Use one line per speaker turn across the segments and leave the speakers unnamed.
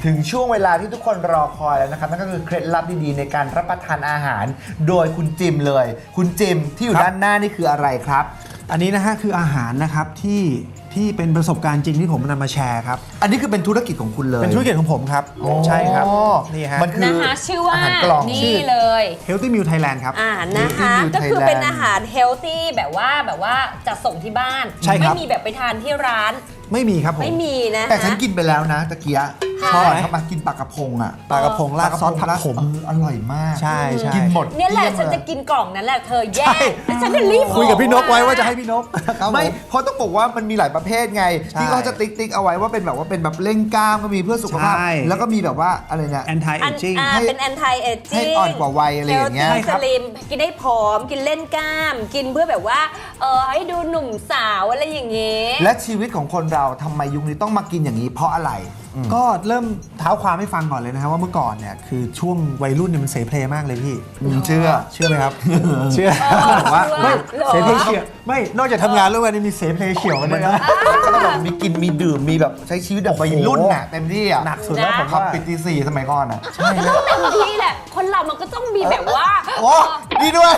ถึงช่วงเวลาที่ทุกคนรอคอยแล้วนะครับนั่นก็คือเคล็ดลับดีๆในการรับประทานอาหารโดยคุณจิมเลยคุณจิมที่อยู่ด้านหน้านี่คืออะไรครับ
อันนี้นะฮะคืออาหารนะครับที่เป็นประสบการณ์จริงที่ผมนำมาแชร์ครับ
อันนี้คือเป็นธุรกิจของคุณเลย
เป็นธุรกิจของผมครับใช่ครับนี่ฮะ
มันคือ
นะคะชื่อว่า
อาหารกล่อง
นี่เลย
Healthy Meal Thailand ครับ
นะคะ ก็คือเป็นอาหารเฮลตี้แบบว่าจะส่งที่บ้านไม่มีแบบไปทานที่ร้าน
ไม่มีครับผม
ไม่มีนะ
แต่ฉันกินไปแล้วนะตะเกียชอบเข้ามากินปลากระพงอ่ะ
ปลากระพงราดซอสผักขม
อร่อยมาก
ใช่
กินหมด
เนี่ยแหละฉันจะกินกล่องนั้นแหละเธอแย่แล้วฉันจะรีบ
คุยกับพี่นกไว้ว่าจะให้พี่นก
ไม่เพราะต้องบอกว่ามันมีหลายประเภทไงที่เขาจะติ๊กเอาไว้ว่าเป็นแบบเร่งกล้ามก็มีเพื่อสุขภาพแล้วก็มีแบบว่าอะไรเนี่ย
anti aging
เป็น anti aging
ให้อ่อนกว่าวัยอะไรอย่างเงี้ย
สลิมกินได้ผอมกินเล่นกล้ามกินเพื่อแบบว่าให้ดูหนุ่มสาวอะไรอย่างเงี้ย
และชีวิตของคนเราทำไมยุคนี้ต้องมากินอย่างนี้เพราะอะไร
ก็เริ่มเท้าความให้ฟังก่อนเลยนะครับว่าเมื่อก่อนเนี่ยคือช่วงวัยรุ่นเนี่ยมันเสเพลมากเลยพี่
เชื่อ
ไหมครับเชื่อว่าไม่เสเพลเฉียวไม่นอกจากทำงานแล้ววันนี้มีเสเพลเฉียวกันด้วยนะ
ก็แบบมีกินมีดื่มมีแบบใช้ชีวิตแบบวัยรุ่นน่ะเต็มที่อ่ะ
หนักสุดแล้วผม
ขับปิดตี 4สมัยก่อนอ่ะ
ใช่เต็มที่แหละคนเรามันก็ต้องมีแบบว่า
โอ้ดีด้วย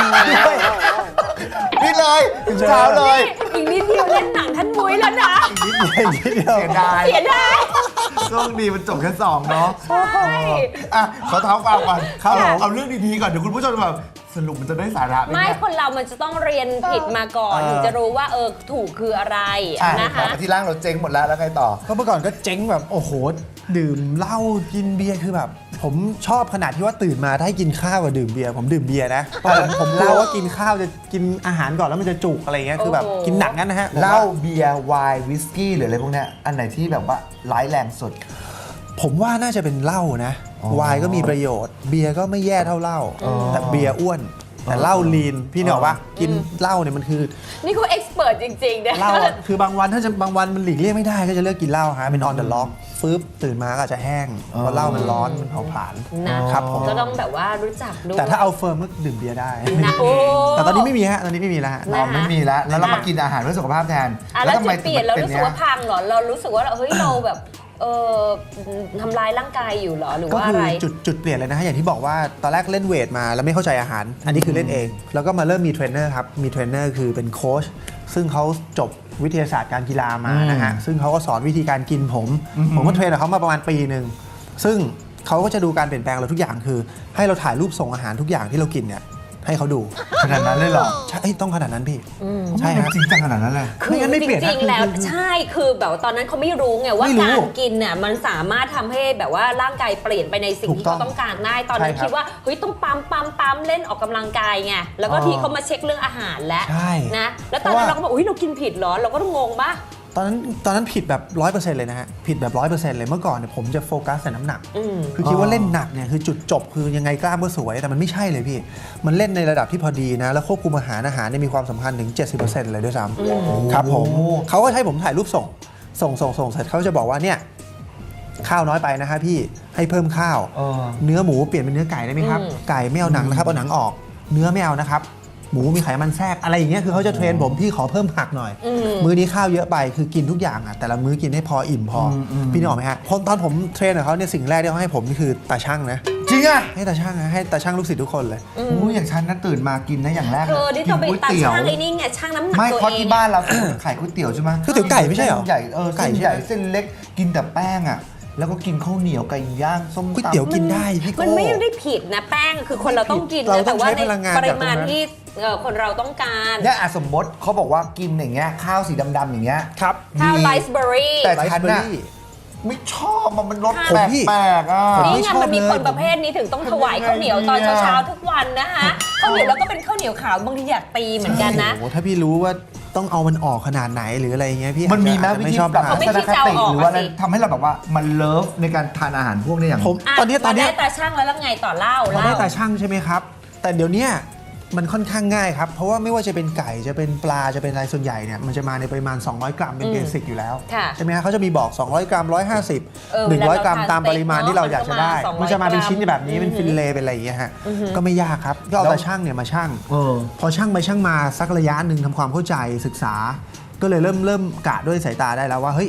นี่เลยถึงเช้าเลย
อีกนิดเดียวเล่นหนังท่านมุ้ยแล้วนะ
นิดเดียว
เสียดายช่วงดีมันจบแค่2เนาะ
ใช่
อ่ะขอเท้าความก่อนเอาเรื่องดีๆก่อนเดี๋ยวคุณผู้ชมแบบสรุปมันจะได้สาระ
ไม่คนเรามันจะต้องเรียนผิดมาก่อนถึงจะรู้ว่าถูกคืออะไรนะคะ
ที่ร่างเราเจ๊งหมดแล้วไงต่อ
ก็เมื่อก่อนก็เจ๊งแบบโอ้โหดื่มเหล้ากินเบียร์คือแบบผมชอบขนาดที่ว่าตื่นมาถ้าให้กินข้าวกับดื่มเบียร์ผมดื่มเบียร์นะผมเล่าว่ากินข้าวจะกินอาหารก่อนแล้วมันจะจุกอะไรเงี้ยคือแบบกินหนักงั้นนะฮะ
เหล้าเบียร์ไวน์วิสกี้หรืออะไรพวกเนี้ยอันไหนที่แบบว่าร้ายแรงสุด
ผมว่าน่าจะเป็นเหล้านะไวน์ก็มีประโยชน์เบียร์ก็ไม่แย่เท่าเหล้าแต่เบียร์อ้วนแต่เหล้าลีนพี่เนี่ยบอกว่ากินเหล้าเนี่ยมันคือ
นี่เขาเอ็กซ์เพรสจริงๆนะ
เหล้าคือบางวันถ้าจะบางวันมันหลีกเลี่ยงไม่ได้ก็จะเลือกกินเหล้าฮะเป็น on the lock ฟื้นตื่นมาก็อาจจะแห้งเพราะเหล้ามันร้อนมันเผาผลาญ
นะครับผมก็ต้องแบบว่ารู้จักด้วย
แต่ถ้าเอาเฟิร์มก็ดื่มเบียร์ได้แต่ตอนนี้ไม่มีฮะตอนนี้ไม่มีแล้ว
ไม่มีแล้วแล้วเรามากินอาหารเพื่อสุขภาพแทน
แล้วทำไมเปลี่ยนเรารู้สึกว่าพังเหรอเรารู้สึกว่าเฮ้ยเราแบบทำลายร่างกายอยู่เหรอหรือว่าอะไร
ก็คือจุดเปลี่ยนเลยนะฮะอย่างที่บอกว่าตอนแรกเล่นเวทมาแล้วไม่เข้าใจอาหารอันนี้คือเล่นเองแล้วก็มาเริ่มมีเทรนเนอร์ครับมีเทรนเนอร์คือเป็นโค้ชซึ่งเขาจบวิทยาศาสตร์การกีฬามานะฮะซึ่งเขาก็สอนวิธีการกินผมก็เทรนกับเขามาประมาณปีนึงซึ่งเขาก็จะดูการเปลี่ยนแปลงเราทุกอย่างคือให้เราถ่ายรูปส่งอาหารทุกอย่างที่เรากินเนี่ยให้เขาดู
ขนาดนั้นเลยเหรอ
ใช่ต้องขนาดนั้นพี่
ใช่ครับจริงจังขนาดนั้นเลย
คือจริงๆแล้วใช่คือแบบตอนนั้นเขาไม่รู้ไงว่าการกินเนี่ยมันสามารถทำให้แบบว่าร่างกายเปลี่ยนไปในสิ่งที่เขาต้องการได้ตอนนั้นคิดว่าเฮ้ยต้องปั๊มเล่นออกกำลังกายไงแล้วก็ทีเขามาเช็คเรื่องอาหารแล้วนะแล้วตอนนั้นเราก็บอกอุ้ยเรากินผิดเหรอเราก็ต้องงงป่ะ
ตอนนั้นผิดแบบ 100% เลยนะฮะผิดแบบ 100% เลยเมื่อก่อนเนี่ยผมจะโฟกัสแต่น้ำหนักคือคิดว่าเล่นหนักเนี่ยคือจุดจบคือยังไงกล้ามก็สวยแต่มันไม่ใช่เลยพี่มันเล่นในระดับที่พอดีนะแล้วควบคุมอาหารเนี่ยมีความสำคัญถึง 70% เลยด้วยซ้ำครับผมเขาก็ให้ผมถ่ายรูปส่งเสร็จเขาจะบอกว่าเนี่ยข้าวน้อยไปนะฮะพี่ให้เพิ่มข้าวเนื้อหมูเปลี่ยนเป็นเนื้อไก่ได้ไหมครับไก่ไม่เอาหนังนะครับเอาหนังออกเนื้อไม่เอานะครับหมูมีไขมันแทรกอะไรอย่างเงี้ยคือเขาจะเทรนผมพี่ขอเพิ่มผักหน่อยมื้อนี้ข้าวเยอะไปคือกินทุกอย่างอ่ะแต่ละมื้อกินให้พออิ่มพอพี่นึกออกไหมฮะตอนผมเทรนกับเขาเนี่ยสิ่งแรกที่เขาให้ผมนี่คือตาช่างนะ
จริงอ่ะ
ให้ตาช่างนะให้ตาช่างลูกศิษย์ทุกคนเลย
อย่างฉันนั้นตื่นมากินนะอย่างแรก
กินก๋วยเตี๋ยวไอ้นี่ไงช่างน้ำหนัก
ไม่เพราะที่บ้านเราขายก๋วยเตี๋ยวใช่ไหม
ก๋วยเตี๋ยวไก่ไม่ใช่เหรอ
ใหญ่ไก่ใหญ่เส้นเล็กกินแต่แป้งอ่ะแล้วก็กินข้าวเหนียวไก่ย่างส้มตำ
ก๋วยเตี๋ยวกินได้พี่
มันไม่ได้ผิดนะแป้งคือคนเราต้องกินนะแต่ว่าในปริมาณที่คนเราต้องการ
เนี่ยสมมติเขาบอกว่ากินอย่างเงี้ยข้าวสีดำๆอย่างเงี้ย
ครับ
ข้าวไรซ์เบอร์รี่
แต่ฉันน่ะไม่ชอบมันรสแปลกๆอ่ะ
นี่ไงมันมีคนประเภทนี้ถึงต้องถวายข้าวเหนียวตอนเช้าทุกวันนะคะข้าวเหนียวแล้วก็เป็นข้าวเหนียวขาวบางทีอยากตีเหมือนกันนะ
โอ้ถ้าพี่รู้ว่าต้องเอามันออกขนาดไหนหรืออะไรเงี้ยพี่
มันมีไหมวิธีปรับทัศนคติหรือว่าทำให้เราแบบว่ามันเลิฟในการทานอาหารพวกนี้อย่าง
ผมตอนนี้
ได้ตาช่างแล้วไงต่อเล่า
ได้ตาช่างใช่ไหมครับแต่เดี๋ยวนี้มันค่อนข้างง่ายครับเพราะว่าไม่ว่าจะเป็นไก่จะเป็นปลาจะเป็นอะไรส่วนใหญ่เนี่ยมันจะมาในปริมาณ200 กรัมเป็นเบสิกอยู่แล้วใช่ไหมฮะเขาจะมีบอก200 กรัม150 100 กรัมตามปริมาณที่เราอยากจะได้มันจะมาเป็นชิ้นแบบนี้เป็นฟิลเลเป็นอะไรอย่างเงี้ยฮะก็ไม่ยากครับก็เอาตาช่างเนี่ยมาช่างพอช่างไปช่างมาสักระยะหนึ่งทำความเข้าใจศึกษาก็เลยเริ่มกะด้วยสายตาได้แล้วว่าเฮ้ย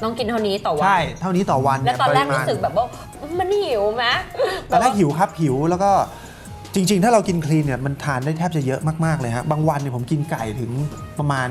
ต้องกินเท่านี้ต่อวัน
ใช่เท่านี้ต่อวัน
แล้วตอนแรก
ปมา
รู้
ณ
สึกแบบว่ามันหิวไหม
ตอนแรกหิวครับหิวแล้วก็จริงๆ ถ้าเรากินคลีนเนี่ยมันทานได้แทบจะเยอะมากๆเลยฮะบางวันเนี่ยผมกินไก่ถึงประมาณ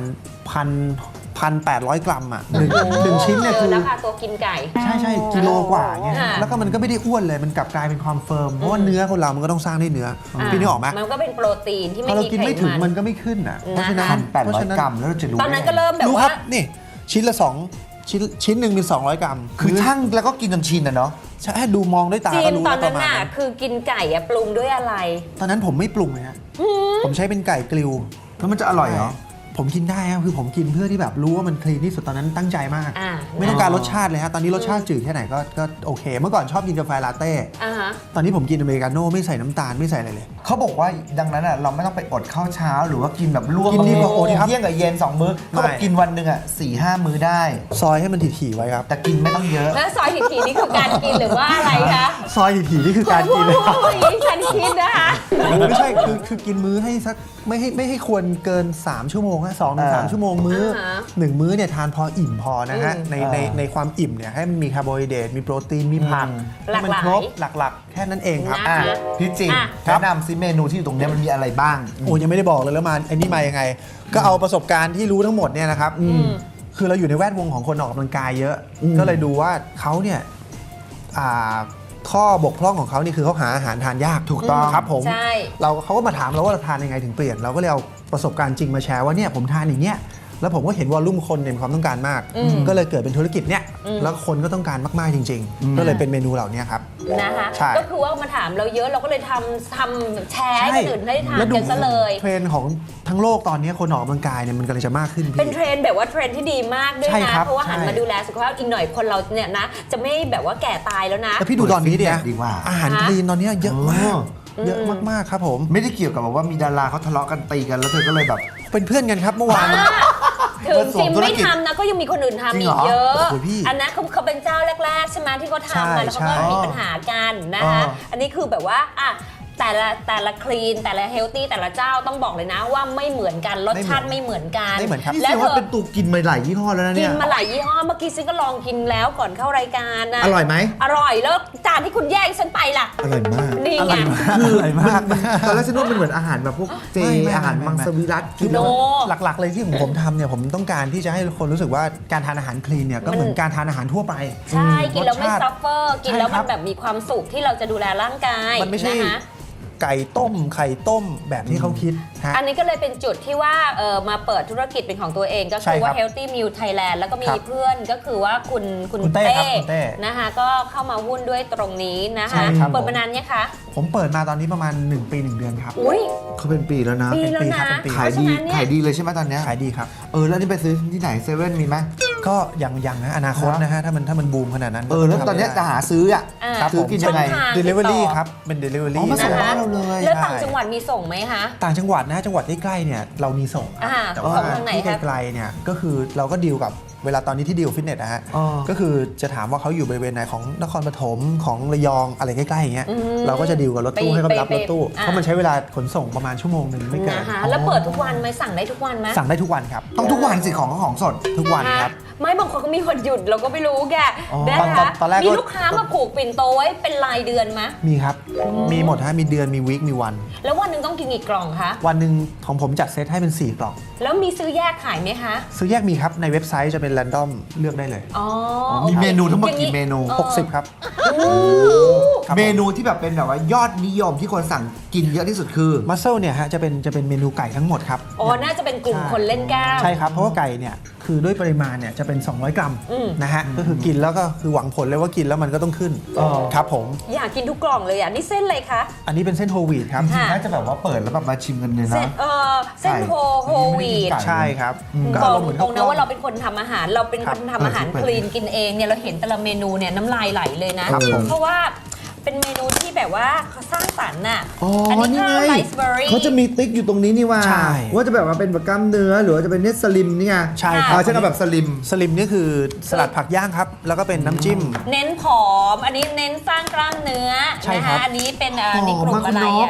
1,800 กรัมอ่ะหนึ่งชิ้นเนี่ยคือ
แล้วค่ะตัวกินไก่
ใช่กิโลกว่าเนี่ย
ค่ะ
แล้วก็มันก็ไม่ได้อ้วนเลยมันกลับกลายเป็นความเฟิร์มเพราะว่าเนื้อคนเรามันก็ต้องสร้างด้วยเนื้อพี่นึกออกไหม
มันก็เป็นโปรตีนที่
พ
ไม่
อเรา
มี
กิน
ไข
ไม่ถึง
มั
มัน นก็ไม่ขึ้นอ่ะเพราะฉะนั้น
1,800 กรัมแล้วเราจะรู้
ตอนนั้นก็เริ่มแบบ
รู้ครั
ว่า
บนี่ชิ้นละ2ชิ้นหนึ่งมี200 กรัม
คือช่างแล้วก็กินจนชินนะเนาะ
ใช่ดูมองด้วยตา
จี
ก็
น
รู้
ตอน
ป
นั้น
ระมาณ
น่ะ
นั้น
คือกินไก่อะปรุงด้วยอะไร
ตอนนั้นผมไม่ปรุงเลยฮะผมใช้เป็นไก่กริล
แล้วมันจะอร่อยเหรอ
ผมกินได้ครับคือผมกินเพื่อที่แบบรู้ว่ามันคลีนที่สุดตอนนั้นตั้งใจมาก
อ่า
ไม่ต้องการรสชาติเลยฮะตอนนี้รสชาติจืดแค่ไหนก็โอเค เมื่อก่อนชอบกินกาแฟลาเต้
อ่าฮะ
ตอนนี้ผมกินอเมริกาโน่ไม่ใส่น้ำตาลไม่ใส่อะไรเลย
เขาบอกว่าดังนั้นอ่ะเราไม่ต้องไปอดข้าวเช้าหรือว่ากินแบบล่วง
กินดีกว่าอดครับ
เที่ยงกับเย็น2 มื้อเขาบอกกินวันหนึ่งอ่ะ4-5 มื้อได้
ซอยให้มันถี่ๆไว้ครับ
แต่กินไม่ต้องเยอะ
แล้วซอยทีนี่คือการกินหรือว่าอะไรคะ
ซอยถี่ๆนี่คือการกินเลยครับ
โอ้ยฉันคิดนะคะ
ไม่ใช่คือกินมื้อให้สักไม่ให้ควรเกิน3 ชั่วโมงฮะ2-3 ชั่วโมงมื้อหนึ่งมื้อเนี่ยทานพออิ่มพอนะฮะในความอิ่มเนี่ยให้มันมีคาร์โบไฮเดรตมีโปรตีนมีผักให้มันครบหลักๆ แค่นั้นเองครับ
อ่ะพี่จิมแนะนำซิเมนูที่อยู่ตรงเนี้ยมันมีอะไรบ้าง
โอ้ยังไม่ได้บอกเลยแล้วมาไอ้นี่มายังไง ก็เอาประสบการณ์ที่รู้ทั้งหมดเนี่ยนะครับคือเราอยู่ในแวดวงของคนออกกำลังกายเยอะ ก็เลยดูว่าเขาเนี่ยข้อบกพร่องของเขานี่คือเขาหาอาหารทานยาก
ถูกต้อง
ครับผม
ใช่
เขาก็มาถามเราว่าเราทานยังไงถึงเปลี่ยนเราก็เลยเอาประสบการณ์จริงมาแชร์ว่าเนี่ยผมทานอย่างเงี้ยแล้วผมก็เห็นวอลลุ่มคนเนี่ยมีความต้องการมาก ก็เลยเกิดเป็นธุรกิจเนี่ยแล้วคนก็ต้องการมากๆจริง ๆ ก็เลยเป็นเมนูเหล่านี้ครับ
นะคะ
ใช่
ก็คือว่ามาถามเราเยอะเราก็เลยทำแชร์ให้คนอื่นได้ทาน
แล้วดู
กันซะเลย
เทรนด์ของทั้งโลกตอนนี้คนออกกำลังกายเนี่ยมันกำลังจะมากขึ้น
เป็น
พี่
เทรนด์แบบว่าเทรนด์ที่ดีมากด้วย
ใช่
นะครับ เพราะว่าหัน
ใช่
มาดูแลสุขภาพอีกหน่อยคนเราเนี่ยนะ จะไม่แบบว่าแก่ตายแล้วนะ
แล้วพี่ดูตอนนี้เนี่ย
ดีกว่า
อาหารคลีนตอนนี้เยอะมากเยอะมากๆครับผม
ไม่ได้เกี่ยวกับแบบว่ามีดาราเขาทะเลาะกันตีกันแล้วเธอก็เลยแบบ
เป็นเพื่อนกันครับเมื่อวาน
ถึงจิมไม่ทำนะก็ยังมีคนอื่นทำ
จริ
อี
งเหรอ
กเยอะ
โอ้โหพี่
อันนั้นเขาเป็นเจ้าแรกๆใช่ไหมที่เขาทำมาแล้วเขาก็
ใช่
มีปัญหากันนะคะ อันนี้คือแบบว่าอ่ะแต่ละคลีนแต่ละเฮลตี้แต่ละเจ้าต้องบอกเลยนะว่าไม่เหมือนกันรสชาติไม่เหมือนกัน
ไม่เหมือนครับ
นี่
แล้
แส
ว
ดง
เธ
ว่า
อ
เป็นตูกินมาหลายยี่ห้อแล้วนะ
กิ
เนี่
น
ย
มาหลายยี่ห้อเมื่อกี้ซิก็ลองกินแล้วก่อนเข้ารายการนะ
อร่อยไหม
อร่อยแล้วจานที่คุณแย่งฉันไปล่ะ
อร่อยมาก
นี่
อ
ไง
ร่อยมาก
ตอนแรกฉันว่ามันเหมือนอาหารแบบพวกเจ
ไม่
อาหารมังสวิรัต
คือ
โน
หลักๆเลยที่ผมทำเนี่ยผมต้องการที่จะให้คนรู้สึกว่าการทานอาหารคลีนเนี่ยก็เหมือนการทานอาหารทั่วไป
ใช่กินแล้วไม่
รสชาติ
ซัฟเฟอร์กินแล้ว
ใช่ครั
มัน
บ
แบบมีความสุขที่เราจะดูแลร่างกาย
มันไม่ใช่
นะคะ
ไก่ต้มไข่ต้มแบบที่เขาคิดฮะ
อันนี้ก็เลยเป็นจุดที่ว่ามาเปิดธุรกิจเป็นของตัวเองก็
ใช่
คือ
ครั
ว่า
บ
Healthy Meal Thailand แล้วก็มี
ครับ
เพื่อนก็คือว่าคุณ
คุณเต้ครับคุณเต้
นะคะก็เข้ามาหุ้นด้วยตรงนี้นะ
ใช่
คะ
ครับ
เปิดมานานเนี่ยคะ
ผมเปิดมาตอนนี้ประมาณ1 ปี 1 เดือนครับ
อุ้ย
เขาเป็นปีแล้วนะ
ปีแล้วนะ
เป็นปี
ขายดี
เพระฉะนั้นเนี่
ขายดีเลยใช่ไหมตอนเนี้ย
ขายดีครับ
แล้วนี่ไปซื้อที่ไหนเซเว่นมีไหม
ก็ยังนะอนาคตนะฮะถ้ามันบูมขนาดนั้น
แล้วตอนเนี้ยจะหาซื้ออ่ะ
อ่า
ครับ
ซื้
ผ
อ
ม
กินยังไง
ช่องทาง
delivery
ติดต่อ
ครับเป็น delivery
อ๋อมาส่ง
นะคะ
บ้านเราเลย
แล้วต่างจังหวัดมีส่งไหมคะ
ต่างจังหวัดนะจังหวัดใกล้ๆเนี่ยเรามีส่งครับ
อ่า
แต่ว่า
ส่งทางไหน
ที่
ครับ
ไกลๆเนี่ยก็คือเราก็ดีลกับเวลาตอนนี้ที่ดีลฟิตเนสนะฮะ
อ๋อ
ก็คือจะถามว่าเขาอยู่บริเวณไหนของนครปฐมของระยองอะไรใกล้ๆอย่างเงี้ยเราก็จะดีลกับรถตู้ให้เขาไปรับรถตู้เพราะมันใช้เวลาขนส่งประมาณชั่วโมงหนึ่งไม่เกิน
นะคะแล้วเปิดทุกวันไหมสั่งได้ทุกวันไหม
สั่งได้ทุกวันครับ
ต้องทุกวันสิของสด
ทุกวันครับ
ไม่บางคนก็มีวันหยุดเราก็ไม่รู้แก
อ๋อ
นะคะ
ตอนแรกก็
มีลูกค้ามาผูกปิ่นโตไว้เป็นรายเดือนไหม
มีครับมีหมดฮะมีเดือนมีวีคมีวัน
แล้ววันหนึ่งต้องกินกี่กล่องคะ
วันหนึ่งของผมจัดเซตให้เป็น4 กล่อง
แล้วมีซื้อแยกขายไหมคะ
ซื้อแยกมีครับในเว็บไซต์จะเป็นแรนดอมเลือกได้เลย
อ๋อ
มีเมนูทั้งหมดกี่เมนู
60 ครับ ครับ
เมนูที่แบบเป็นแบบว่ายอดนิยมที่คนสั่งกินเยอะที่สุดคือ
มัสเซลเนี่ยฮะจะเป็นเมนูไก่ทั้งหมดครับ
อ๋อ น่าจะเป็นกลุ่มคนเล่นกล้าม
ใช่ครับ เพราะว่าไก่เนี่ยคือด้วยปริมาณเนี่ยจะเป็น 200 กรัม
อืม
นะฮะก็คือกินแล้วก็คือหวังผลเลยว่ากินแล้วมันก็ต้องขึ้น
อ๋อ
ครับผม
อยากกินทุกกล่องเลยอ่ะ นี่เส้นอะไรคะ
อันนี้เป็นเส้นโฮลวีตครับ
จริง
ค่ะ
ๆน่าจะแบบว่าเปิดแล้วแบบมาชิมกันเลย
เส้
นะ
นเส้นโฮวีด
ไก่
ใช่ครับก็
บอ
อาก รมณ์เหมือน
ตร
ข้าว
ง
ก
นะ
ล้อง
ว่าเราเป็นคนทำอาหาร เราเป็นคนทำอาหาร
เปิด
คลีนกินเองเนี่ยเราเห็นแต่ละเมนูเนี่ยน้ำลายไหลเลยนะ
ครับผม
เพราะว่าเป็นเมนูที่แบบว่าเขาสร้างสรรค์น่ะ
อ๋อ
อันนี้
นี่
ข้าว
ไง
ไรซ์เบอร์รี่
เขาจะมีติ๊กอยู่ตรงนี้นี่ว่า
ใช่
ว่าจะแบบว่าเป็นแบบกล้ามเนื้อหรือว่าจะเป็นเนื้อสลิมนี่ไง
ใช่ครับ
ฉันเอาแบบสลิม
สลิมนี่คือสลัดผักย่างครับ แล้วก็เป็นน้ำจิ้ม
เน้นผอม อันนี้เน้นสร้างกล้ามเนื้อ
ใช่
นะ
ครั
คะ
บ
อันนี้เป็น
ผอม
นี่กลุ่ม
มากคุ
อะ
ณ
ไร
นก
อ่ะ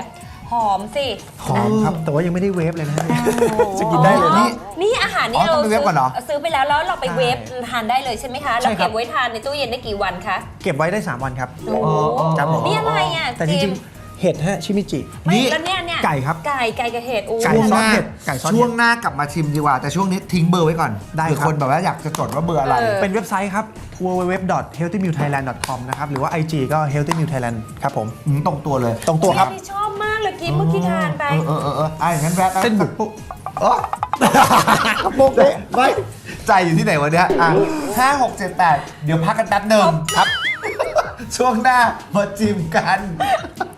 หอมสิ
หอมครับ แต่ว่ายังไม่ได้เวฟเลยนะฮะจะกินได้เลย
อ๋อ
นี่
นี่อาหารนี่
อ๋อ
เรา
ต้องไปเวฟก่อนเหรอ
ซื้อไปแล้วเราไป
ใช่
เวฟทานได้เลยใช่ไหมคะ
ใช่
แล้ว
ครั
เก็
บ
บไว้ทานในตู้เย็นได้กี่วันคะ
เก็บไว้ได้ 3 วันครับ
โอ้โห
ครับผม
นี่อะไรอ่ะ
แต่จริงๆเห็ดฮะชิมิจิ
ไม่
นี่
แล้วเนี่ย
ไก่ครับ
ไก่กับเห็ดโอ้
ไก่
ช่วง
ซ
ห
อส
น้า
เห็ดไก่ซอสเห็ด
ช่วงหน้ากลับมาชิมดีกว่า แต่ช่วงนี้ทิ้งเบอร์ไว้ก่อน
ได้
เผื่อ
ครับ
คนแบบว่าอยากจะจดว่าเบอร์อะไร
เป็นเว็บไซต์ครับ www.healthymewthailand.com นะครับ หรือว่า IG ก็ healthymewthailand ครับผม
ตรงตัวเลย
ตรงตัวครับ
นี่ชอบมากเลยกินเมื่อกี้ทานไป
อย่างนั้นแวะ
เส้นบุก
ปุ๊บกระปุกเลยไม่ใจอยู่ที่ไหนวะเนี่ย5 6 7 8 เดี๋ยวพักกันแป๊บหนึ่งครับ ช่วงหน้ามาจิ้มกัน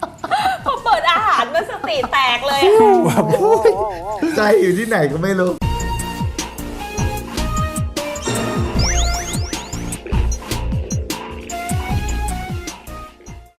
พอเปิดอาหารมันสติแตกเลย
ใจอยู่ที่ไหนก็ไม่รู้